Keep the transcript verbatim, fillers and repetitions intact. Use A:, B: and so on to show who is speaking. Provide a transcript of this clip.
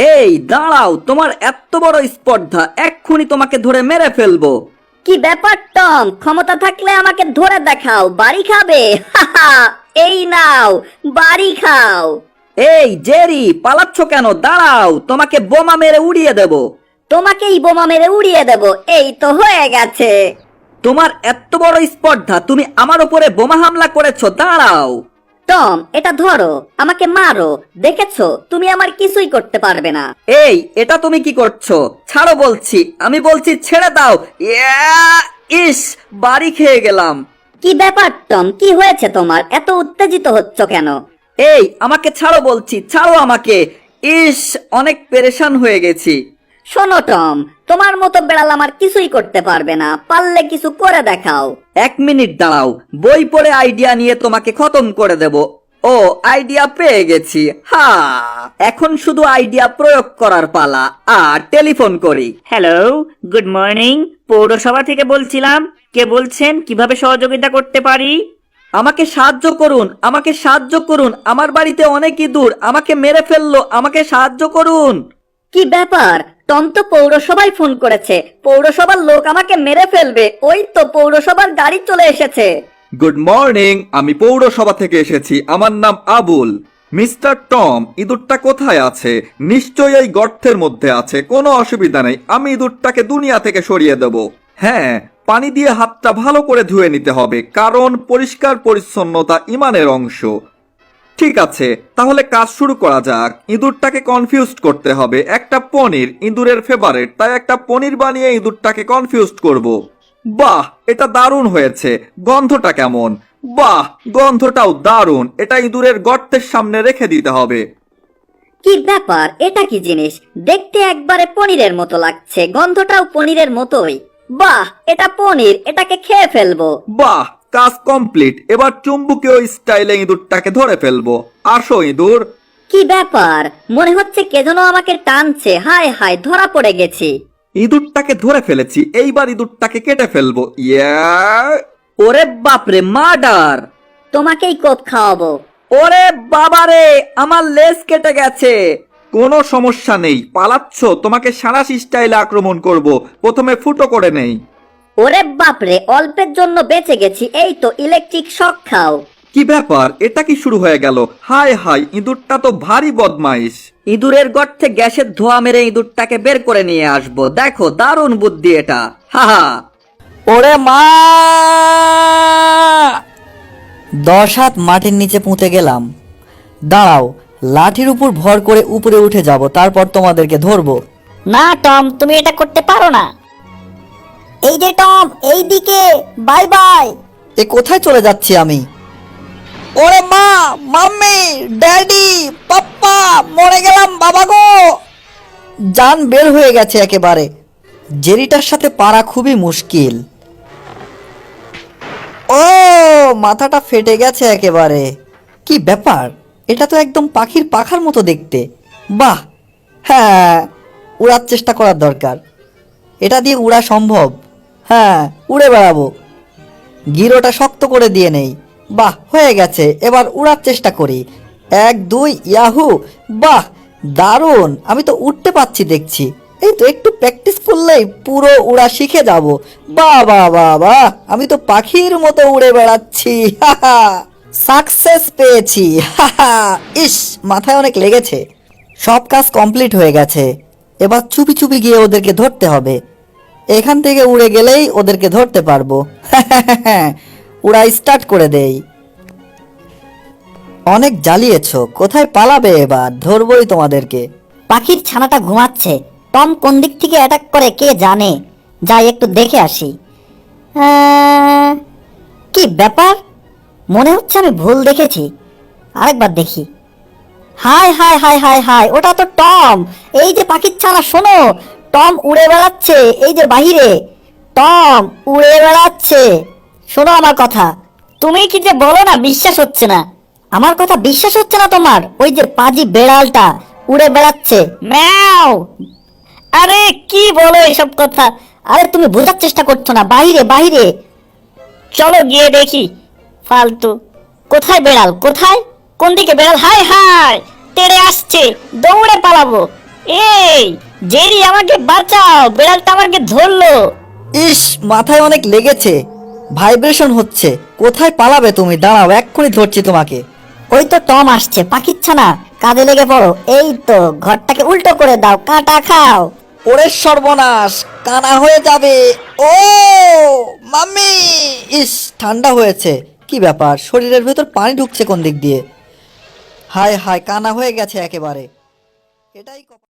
A: এই দাঁড়াও, তোমার এত বড় স্পর্ধা, এক্ষুনি তোমাকে ধরে মেরে ফেলবো।
B: কি ব্যাপার টম, ক্ষমতা থাকলে আমাকে ধরে দেখাও, বাড়ি খাবে। হাহা, এই নাও বাড়ি খাও।
A: এই জেরি, পালাচ্ছ কেন? দাঁড়াও, তোমাকে বোমা মেরে উড়িয়ে দেব।
B: তোমাকেই বোমা মেরে উড়িয়ে দেব। এই তো হয়ে গেছে।
A: তোমার এত বড় স্পর্ধা, তুমি আমার উপরে বোমা হামলা করেছো? দাঁড়াও।
B: টম, এটা ধরো, আমাকে মারো। দেখেছো, তুমি আমার কিছুই করতে পারবে না।
A: এই, এটা তুমি কি করছো? ছাড়ো বলছি, আমি বলছি ছেড়ে দাও। ইয়া, ইস, বাড়ি খেয়ে গেলাম।
B: কি ব্যাপার টম, কি হয়েছে তোমার? এত উত্তেজিত হচ্ছ কেন?
A: এই, আমাকে ছাড়ো বলছি, ছাড়ো আমাকে। ইস, অনেক পেরেশান হয়ে গেছি।
B: শোনো টম, তোমার মতো বেড়াল আমার কিছুই করতে পারবে না, পারলে কিছু করে দেখাও।
A: এক মিনিট দাঁড়াও, বই পড়ে আইডিয়া নিয়ে তোমাকে খতম করে দেব। ও, আইডিয়া পেয়ে গেছি। হা, এখন শুধু আইডিয়া প্রয়োগ করার পালা। আর টেলিফোন করি।
C: Hello, good morning. পৌরসভা থেকে বলছিলাম। কে বলছেন? কিভাবে সহযোগিতা করতে পারি?
A: আমাকে সাহায্য করুন, আমাকে সাহায্য করুন, আমার বাড়িতে অনেক ইঁদুর আমাকে মেরে ফেললো, আমাকে সাহায্য করুন।
B: কি ব্যাপার? টম তো পৌরসভায় ফোন করেছে, পৌরসভার লোক আমাকে মেরে ফেলবে। ওই তো পৌরসভার গাড়ি চলে এসেছে।
D: গুড মর্নিং, আমি পৌরসভা থেকে এসেছি। আমার নাম আবুল। মিস্টার টম, ইঁদুরটা কোথায় আছে? নিশ্চয়ই এই গর্তের মধ্যে আছে। কোনো অসুবিধা নেই, আমি ইঁদুরটাকে দুনিয়া থেকে সরিয়ে দেব। হ্যাঁ, পানি দিয়ে হাতটা ভালো করে ধুয়ে নিতে হবে, কারণ পরিষ্কার পরিচ্ছন্নতা ইমানের অংশ। ঠিক আছে, তাহলে কাজ শুরু করা যাক। ইঁদুরটাকে কনফিউজড করতে হবে। একটা পনির ইঁদুরের ফেভারিট, তাই একটা পনির বানিয়ে ইঁদুরটাকে কনফিউজড করব। বাহ, এটা দারুণ হয়েছে। গন্ধটা কেমন? বাহ, গন্ধটাও দারুণ। এটা ইঁদুরের গর্তের সামনে রেখে দিতে হবে।
B: কি ব্যাপার, এটা কি জিনিস? দেখতে একবারে পনিরের মতো লাগছে, গন্ধটাও পনিরের মতোই। বাহ, এটা পনির, এটাকে খেয়ে ফেলবো।
D: বাহ, কাজ কমপ্লিট। এবার চুম্বকীয় স্টাইলে ইঁদুরটাকে ধরে ফেলবো। আসো ইঁদুর।
B: কি ব্যাপার, মনে হচ্ছে কে যেন আমাকে টানছে। হায় হায়, ধরা পড়ে গেছি।
D: ইঁদুরটাকে ধরে ফেলেছি, এইবার ইঁদুরটাকে কেটে ফেলবো। ইয়া,
A: ওরে বাপরে, মার্ডার!
B: তোমাকেই কোপ খাওয়াবো।
A: ওরে বাবারে, আমার লেজ কেটে গেছে।
D: কোনো সমস্যা নেই, পালাচ্ছ? তোমাকে সাঁড়াশি স্টাইলে আক্রমণ করব। প্রথমে ফুটো করে নেই।
B: ওরে বাপরে, অল্পের জন্য বেঁচে গেছি। এই তো ইলেকট্রিক শক খাও।
D: কি ব্যাপার, এটা কি শুরু হয়ে গেল? হায় হায়, ইঁদুরটা তো ভারী বদমাইশ।
A: ইঁদুরের গর্তে গ্যাসের ধোঁয়া মেরে ইঁদুরটাকে বের করে নিয়ে আসবো। দেখো, দারুণ বুদ্ধি এটা। হাহা।
E: ওরে মা! দশ হাত মাটির নিচে পুঁতে গেলাম। দাঁড়াও, লাঠির উপর ভর করে উপরে উঠে যাব, তারপর তোমাদেরকে ধরবো।
B: না টম, তুমি এটা করতে পারো না। এই যে টম, এই দিকে, বাই বাই।
E: এ কোথায় চলে যাচ্ছি আমি? ওরে মা, মাম্মি, ড্যাডি, পাপ্পা, মরে গেলাম বাবা গো! জান বের হয়ে গেছে একেবারে। জেরিটার সাথে পারা খুবই মুশকিল। ও, মাথাটা ফেটে গেছে একেবারে। কি ব্যাপার, এটা তো একদম পাখির পাখার মতো দেখতে। বাহ, হ্যাঁ, উড়ার চেষ্টা করার দরকার। এটা দিয়ে উড়া সম্ভব। হ্যাঁ, উড়ে বেড়াবো। গিরোটা শক্ত করে দিয়ে নেই। বাহ, হয়ে গেছে। এবার উড়ার চেষ্টা করি। এক, দুই, ইয়াহু! বাহ, দারুণ! আমি তো উঠতে পাচ্ছি দেখছি। এই তো একটু প্র্যাকটিস করলেই পুরো উড়া শিখে যাব। বাহ বাহ বাহ বাহ, আমি তো পাখির মতো উড়ে বেড়াচ্ছি। হাহা, সাকসেস পেয়েছি। হাহা, ইস, মাথায় অনেক লেগেছে। সব কাজ কমপ্লিট হয়ে গেছে। এবার চুপি চুপি গিয়ে ওদেরকে ধরতে হবে। এখান থেকে উড়ে গেলেই ওদেরকে ধরতে পারবো। উড়া স্টার্ট করে দেই। অনেক জ্বালিয়েছো, কোথায় পালাবে? এবার ধরবই তোমাদেরকে।
B: পাখির ছানাটা ঘুমাচ্ছে। টম কোন দিক থেকে অ্যাটাক করে কে জানে। যাই একটু দেখে আসি। আহ, কি ব্যাপার, মনে হচ্ছে আমি ভুল দেখেছি। আরেকবার দেখি। হায় হায় হায় হায় হায়, ওটা তো টম। এই যে পাখির ছানা, শোনো, টম উড়ে বেড়াচ্ছে এই যে বাহিরে। টম উড়ে বেড়াচ্ছে। শোনো আমার কথা। তুমি কি যে বলো না, বিশ্বাস হচ্ছে না। আমার কথা বিশ্বাস হচ্ছে না তোমার? ওই যে পাজি বেড়ালটা উড়ে বেড়াচ্ছে। ম্যাও। আরে কি বলো এসব কথা? আরে তুমি বোঝার চেষ্টা করছো না। বাহিরে বাহিরে চলো গিয়ে দেখি। ফালতু। কোথায় বেড়াল? কোথায়? কোন দিকে বেড়াল? হায় হায়, তেড়ে আসছে, দৌড়ে পালাবো। এই জেরি, আমাকে বাঁচাও, বিড়ালটা আমাকে ধরলো।
E: ইস, মাথায় অনেক লেগেছে, ভাইব্রেশন হচ্ছে। কোথায় পালাবে তুমি? দাঁড়াও, এক্ষুনি ধরছি তোমাকে।
B: ওই তো টম আসছে, পাখিচ্ছা না, কাজে লেগে পড়ো। এই তো, ঘরটাকে উল্টো করে দাও, কাঁটা খাও।
E: ওরে সর্বনাশ, কানা হয়ে যাবে। ও মাম্মি! ইস, ঠান্ডা হয়েছে। কি ব্যাপার, শরীরের ভেতর পানি ঢুকছে কোন দিক দিয়ে? হায় হায়, কানা হয়ে গেছে একেবারে। এটাই